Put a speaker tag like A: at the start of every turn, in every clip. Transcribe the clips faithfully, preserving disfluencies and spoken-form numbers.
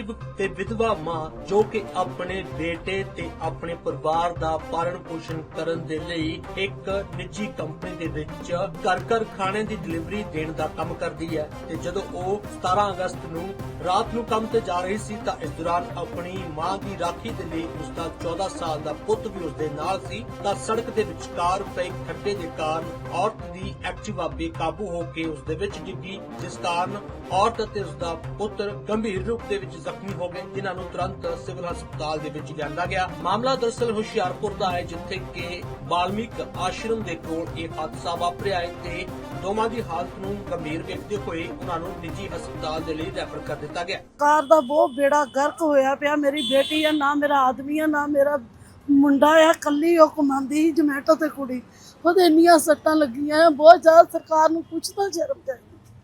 A: गरीब ते विधवा मां जो कि अपने बेटे ते अपने परिवार दा पालन पोषण करन दे लई एक निजी कंपनी दे विच घर घर खाने दी डिलीवरी देण दा काम करदी है ते जदों ਉਹ सतारह अगस्त ਨੂੰ ਰਾਤ ਨੂੰ ਕੰਮ ਤੇ ਜਾ ਰਹੀ ਸੀ ਤਾਂ ਇਸ ਦੌਰਾਨ ਆਪਣੀ ਮਾਂ ਦੀ ਰਾਖੀ ਦੇ ਲਈ ਉਸ ਦਾ चौदह ਸਾਲ ਦਾ ਪੁੱਤ ਵੀ ਉਸ ਦੇ ਨਾਲ ਸੀ ਤਾਂ ਸੜਕ ਦੇ ਵਿਚਕਾਰ ਪਏ ਖੱਡੇ ਦੇ ਕਾਰਨ ਔਰਤ ਦੀ ਐਕਟਿਵਾ ਬੇਕਾਬੂ ਹੋ ਕੇ ਉਸ ਦੇ ਵਿੱਚ ਡਿੱਗੀ ਜਿਸ ਕਾਰਨ ਔਰਤ ਅਤੇ ਉਸ ਦਾ ਪੁੱਤਰ ਗੰਭੀਰ ਰੂਪ ਦੇ ਵਿੱਚ ਜ਼ਖਮੀ ਹੋ ਗਏ ਜਿਨ੍ਹਾਂ ਨੂੰ ਤੁਰੰਤ ਸਿਵਲ ਹਸਪਤਾਲ ਦੇ ਵਿੱਚ ਲਿਆਂਦਾ ਗਿਆ। ਮਾਮਲਾ ਦਰਅਸਲ ਹੁਸ਼ਿਆਰਪੁਰ ਦਾ ਹੈ ਜਿੱਥੇ ਕਿ ਬਾਲਮੀਕ ਆਸ਼ਰਮ ਦੇ ਕੋਲ ਇਹ ਹਾਦਸਾ ਵਾਪਰਿਆ ਹੈ ਤੇ ਦੋਵਾਂ ਦੀ ਹਾਲਤ ਨੂੰ ਗੰਭੀਰ ਵੇਖਦੇ ਹੋਏ ਉਹਨਾਂ ਨੂੰ ਨਿੱਜੀ ਹਸਪਤਾਲ ਦੇ ਲਈ ਰੈਫਰ ਕਰ ਦਿੱਤਾ ਗਿਆ।
B: ਕਾਰ ਦਾ ਬਹੁਤ ਬੇੜਾ ਗਰਕ ਹੋਇਆ ਪਿਆ। ਮੇਰੀ ਬੇਟੀ ਆ, ਨਾ ਮੇਰਾ ਆਦਮੀ ਆ, ਨਾ ਮੇਰਾ ਮੁੰਡਾ ਆ, ਕੱਲੀ ਉਹ ਕਮਾਉਂਦੀ ਸੀ ਜਮੈਟੋ ਤੇ ਕੁੜੀ, ਉਹਦੇ ਇੰਨੀਆਂ ਸੱਟਾਂ ਲੱਗੀਆਂ ਬਹੁਤ ਜ਼ਿਆਦਾ। ਸਰਕਾਰ ਨੂੰ ਕੁਛ ਤਾਂ ਸ਼ਰਮ ਚਾਹੀਦੀ,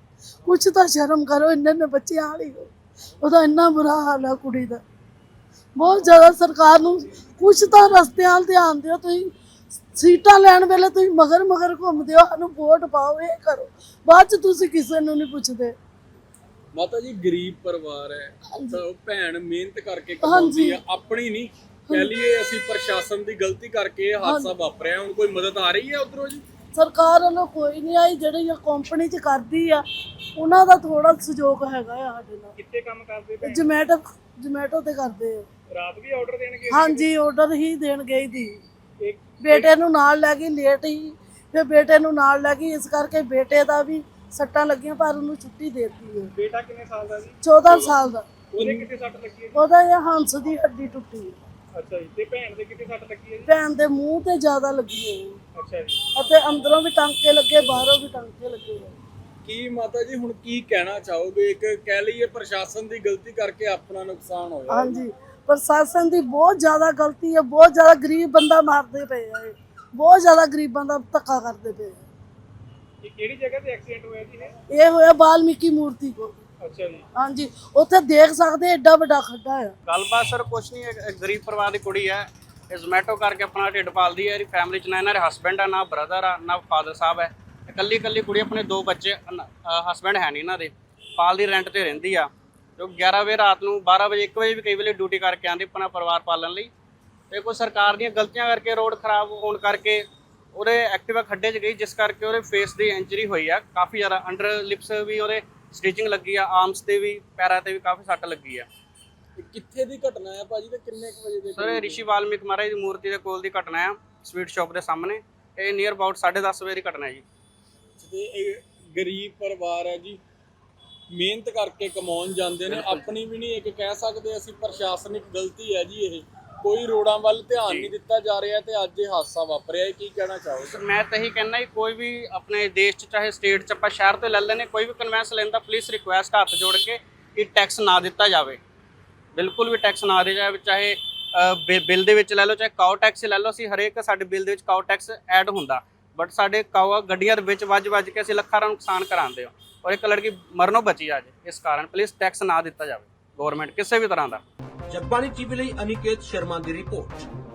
B: ਕੁਛ ਤਾਂ ਸ਼ਰਮ ਕਰੋ। ਇੰਨੇ ਇੰਨੇ ਬੱਚੇ ਆਲੀ ਹੋ, ਉਹਦਾ ਇੰਨਾ ਬੁਰਾ ਹਾਲ ਆ ਕੁੜੀ ਦਾ, ਬਹੁਤ ਜ਼ਿਆਦਾ। ਸਰਕਾਰ ਨੂੰ ਕੁਛ ਤਾਂ ਰਸਤਿਆਂ ਵੱਲ ਧਿਆਨ ਦਿਓ। ਤੁਸੀਂ ਸੀਟਾਂ ਲੈਣ ਵੇਲੇ ਤੁਸੀਂ ਮਗਰ ਮਗਰ ਘੁੰਮਦੇ ਹੋ, ਸਾਨੂੰ ਵੋਟ ਪਾਓ, ਇਹ ਕਰੋ, ਬਾਅਦ ਚ ਤੁਸੀਂ ਕਿਸੇ ਨੂੰ ਨਹੀਂ ਪੁੱਛਦੇ।
C: ਮਾਤਾ ਜੀ ਗਰੀਬ ਪਰਿਵਾਰ ਹੈ ਤਾਂ ਉਹ ਭੈਣ ਮਿਹਨਤ ਕਰਕੇ ਕਮਾਉਂਦੀ ਆ, ਆਪਣੀ ਨਹੀਂ ਕਹਿ ਲਈਏ ਅਸੀਂ ਪ੍ਰਸ਼ਾਸਨ ਦੀ ਗਲਤੀ ਕਰਕੇ ਇਹ ਹਾਦਸਾ ਵਾਪਰਿਆ। ਹੁਣ ਕੋਈ ਮਦਦ ਆ ਰਹੀ ਹੈ ਉਧਰੋਂ ਜੀ?
B: ਸਰਕਾਰ ਵੱਲੋਂ ਕੋਈ ਨਹੀਂ ਆਈ। ਜਿਹੜੀ ਕੰਪਨੀ ਚ ਕਰਦੀ ਆ ਉਹਨਾਂ ਦਾ ਥੋੜਾ ਸਹਿਯੋਗ ਹੈਗਾ ਆ ਸਾਡੇ ਨਾਲ।
C: ਕਿੱਥੇ ਕੰਮ ਕਰਦੇ ਪਏ?
B: ਜਮੈਟੋ ਜਮੈਟੋ ਤੇ ਕਰਦੇ ਆ।
C: ਰਾਤ ਵੀ ਆਰਡਰ ਦੇਣਗੇ?
B: ਹਾਂਜੀ, ਆਰਡਰ ਹੀ ਦੇਣ ਗਈ ਸੀ। ਬੇਟੇ ਨੂੰ ਨਾਲ ਲੈ ਗਈ, ਲੇਟ ਹੀ ਫਿਰ ਬੇਟੇ ਨੂੰ ਨਾਲ ਲੈ ਗਈ, ਇਸ ਕਰਕੇ ਬੇਟੇ ਦਾ ਵੀ ਸੱਟਾਂ ਲੱਗੀਆਂ ਪਰ ਉਹਨੂੰ ਛੁੱਟੀ ਦੇ ਦਿੱਤੀ ਹੈ।
C: ਬੇਟਾ ਕਿੰਨੇ ਸਾਲ ਦਾ ਜੀ?
B: चौदह ਸਾਲ ਦਾ।
C: ਉਹਦੇ ਕਿੱਥੇ ਸੱਟ ਲੱਗੀ ਹੈ?
B: ਉਹਦਾ ਇਹ ਹੰਸ ਦੀ ਹੱਡੀ ਟੁੱਟੀ ਹੈ।
C: ਅੱਛਾ ਜੀ। ਤੇ ਭੈਣ ਦੇ ਕਿੱਥੇ ਸੱਟ ਲੱਗੀ ਹੈ ਜੀ?
B: ਭੈਣ ਦੇ ਮੂੰਹ ਤੇ ਜ਼ਿਆਦਾ ਲੱਗੀ ਹੈ
C: ਅੱਛਾ ਜੀ।
B: ਅਤੇ ਅੰਦਰੋਂ ਵੀ ਟਾਂਕੇ ਲੱਗੇ, ਬਾਹਰੋਂ ਵੀ ਟਾਂਕੇ ਲੱਗੇ ਹੋਏ।
C: ਕੀ ਮਾਤਾ ਜੀ ਹੁਣ ਕੀ ਕਹਿਣਾ ਚਾਹੋਗੇ? ਇੱਕ ਕਹਿ ਲਈਏ ਪ੍ਰਸ਼ਾਸਨ ਦੀ ਗਲਤੀ ਕਰਕੇ ਆਪਣਾ ਨੁਕਸਾਨ ਹੋਇਆ।
B: ਹਾਂਜੀ, ਪ੍ਰਸ਼ਾਸਨ ਦੀ ਬਹੁਤ ਜ਼ਿਆਦਾ ਗਲਤੀ ਹੈ। ਬਹੁਤ ਜ਼ਿਆਦਾ ਗਰੀਬ ਬੰਦਾ ਮਾਰਦੇ ਪਏ ਆ, ਇਹ ਬਹੁਤ ਜ਼ਿਆਦਾ ਗਰੀਬਾਂ ਦਾ ਧੱਕਾ ਕਰਦੇ ਪਏ ਆ।
C: ਇਹ ਕਿਹੜੀ ਜਗ੍ਹਾ ਤੇ ਐਕਸੀਡੈਂਟ ਹੋਇਆ ਜੀ?
B: ਇਹ ਹੋਇਆ ਬਾਲਮੀਕੀ ਮੂਰਤੀ ਕੋਲ।
C: ਅੱਛਾ ਜੀ।
B: ਹਾਂਜੀ, ਉੱਥੇ ਦੇਖ ਸਕਦੇ ਏਡਾ ਵੱਡਾ ਖੱਡਾ ਹੈ।
D: ਗੱਲਬਾਤ ਸਰ ਕੁਛ ਨਹੀਂ, ਇੱਕ ਗਰੀਬ ਪਰਿਵਾਰ ਦੀ ਕੁੜੀ ਹੈ, ਇਹ ਜ਼ੋਮੈਟੋ ਕਰਕੇ ਆਪਣਾ ਢਿੱਡ ਪਾਲਦੀ ਹੈ। ਇਹਦੀ ਫੈਮਿਲੀ 'ਚ ਨਾ ਇਹਨਾਂ ਦੇ ਹਸਬੈਂਡ ਆ, ਨਾ ਬ੍ਰਦਰ ਆ, ਨਾ ਫਾਦਰ ਸਾਹਿਬ ਹੈ। ਇਕੱਲੀ ਇਕੱਲੀ ਕੁੜੀ, ਆਪਣੇ ਦੋ ਬੱਚੇ, ਹਸਬੈਂਡ ਹੈ ਨਹੀਂ ਇਹਨਾਂ ਦੇ, ਪਾਲਦੀ ਰੈਂਟ ਤੇ ਰਹਿੰਦੀ ਆ। ਜੋ ਗਿਆਰਾਂ ਵਜੇ ਰਾਤ ਨੂੰ, ਬਾਰਾਂ ਵਜੇ, ਇੱਕ ਵਜੇ ਵੀ ਕਈ ਵੇਲੇ ਡਿਊਟੀ ਕਰਕੇ ਆਉਂਦੀ ਆਪਣਾ ਪਰਿਵਾਰ ਪਾਲਣ ਲਈ। ਤੇ ਕੋਈ ਸਰਕਾਰ ਦੀਆਂ ਗਲਤੀਆਂ ਕਰਕੇ, ਰੋਡ ਖਰਾਬ ਹੋਣ ਕਰਕੇ ਉਹਦੇ ਐਕਟਿਵਾ ਖੱਡੇ 'ਚ ਗਈ, ਜਿਸ ਕਰਕੇ ਉਹਦੇ ਫੇਸ ਦੀ ਇੰਜਰੀ ਹੋਈ ਆ ਕਾਫੀ ਜ਼ਿਆਦਾ। ਅੰਡਰ ਲਿਪਸ ਵੀ ਉਹਦੇ ਸਟਿਚਿੰਗ ਲੱਗੀ ਆ, ਆਰਮਸ ਤੇ ਵੀ, ਪੈਰਾਂ ਤੇ ਵੀ ਕਾਫੀ ਸੱਟ ਲੱਗੀ ਆ।
C: ਕਿੱਥੇ ਦੀ ਘਟਨਾ ਹੈ ਭਾਜੀ ਤੇ ਕਿੰਨੇ ਕੁ ਵਜੇ ਦੀ?
D: ਸਰ ਇਹ ਰਿਸ਼ੀ ਵਾਲਮੀਕ ਮਹਾਰਾਜ ਦੀ ਮੂਰਤੀ ਦੇ ਕੋਲ ਦੀ ਘਟਨਾ ਆ, ਸਵੀਟ ਸ਼ਾਪ ਦੇ ਸਾਹਮਣੇ। ਇਹ ਨੀਅਰ ਅਬਾਊਟ ਸਾਢੇ ਦਸ ਵਜੇ ਦੀ ਘਟਨਾ ਹੈ ਜੀ।
C: ਤੇ ਇਹ ਗਰੀਬ ਪਰਿਵਾਰ ਹੈ ਜੀ, ਮਿਹਨਤ ਕਰਕੇ ਕਮਾਉਣ ਜਾਂਦੇ ਨੇ, ਆਪਣੀ ਵੀ ਨਹੀਂ ਇੱਕ ਕਹਿ ਸਕਦੇ ਅਸੀਂ ਪ੍ਰਸ਼ਾਸਨਿਕ ਗਲਤੀ ਹੈ ਜੀ। ਇਹ ਕੋਈ ਰੋਡਾਂ ਵੱਲ ਧਿਆਨ ਨਹੀਂ ਦਿੱਤਾ ਜਾ ਰਿਹਾ ਤੇ ਅੱਜ ਇਹ ਹਾਦਸਾ ਵਾਪਰਿਆ। ਕੀ ਕਹਿਣਾ ਚਾਹੋਗੇ?
D: ਸਰ ਮੈਂ ਤਾਂ ਇਹੀ ਕਹਿਣਾ ਕਿ ਕੋਈ ਵੀ ਆਪਣੇ ਦੇਸ਼ 'ਚ, ਚਾਹੇ ਸਟੇਟ 'ਚ, ਆਪਾਂ ਸ਼ਹਿਰ ਤੋਂ ਲੈ ਲੈਣੇ, ਕੋਈ ਵੀ ਕਨਵੈਂਸ ਲੈਂਦਾ, ਪਲੀਜ਼ ਰਿਕੁਐਸਟ ਹੱਥ ਜੋੜ ਕੇ ਕਿ ਟੈਕਸ ਨਾ ਦਿੱਤਾ ਜਾਵੇ, ਬਿਲਕੁਲ ਵੀ ਟੈਕਸ ਨਾ ਦਿੱਤਾ ਜਾਵੇ। ਚਾਹੇ ਬਿੱਲ ਦੇ ਵਿੱਚ ਲੈ ਲਓ, ਚਾਹੇ ਕਾਓ ਟੈਕਸ ਲੈ ਲਓ। ਅਸੀਂ ਹਰੇਕ ਸਾਡੇ ਬਿੱਲ ਦੇ ਵਿੱਚ ਕਾਓ ਟੈਕਸ ਐਡ ਹੁੰਦਾ, ਬਟ ਸਾਡੇ ਕਾਓ ਗੱਡੀਆਂ ਦੇ ਵਿੱਚ ਵੱਜ ਵੱਜ ਕੇ ਅਸੀਂ ਲੱਖਾਂ ਦਾ ਨੁਕਸਾਨ ਕਰਾਉਂਦੇ ਹੋ ਔਰ ਇੱਕ ਲੜਕੀ ਮਰਨੋਂ ਬਚੀ ਆ ਜੇ। ਇਸ ਕਾਰਨ ਪਲੀਜ਼ ਟੈਕਸ ਨਾ ਦਿੱਤਾ ਜਾਵੇ ਗਵਰਨਮੈਂਟ ਕਿਸੇ ਵੀ ਤਰ੍ਹਾਂ ਦਾ।
A: ਜਗਬਾਣੀ ਟੀਵੀ ਲਈ ਅਨਿਕੇਤ ਸ਼ਰਮਾ ਦੀ ਰਿਪੋਰਟ।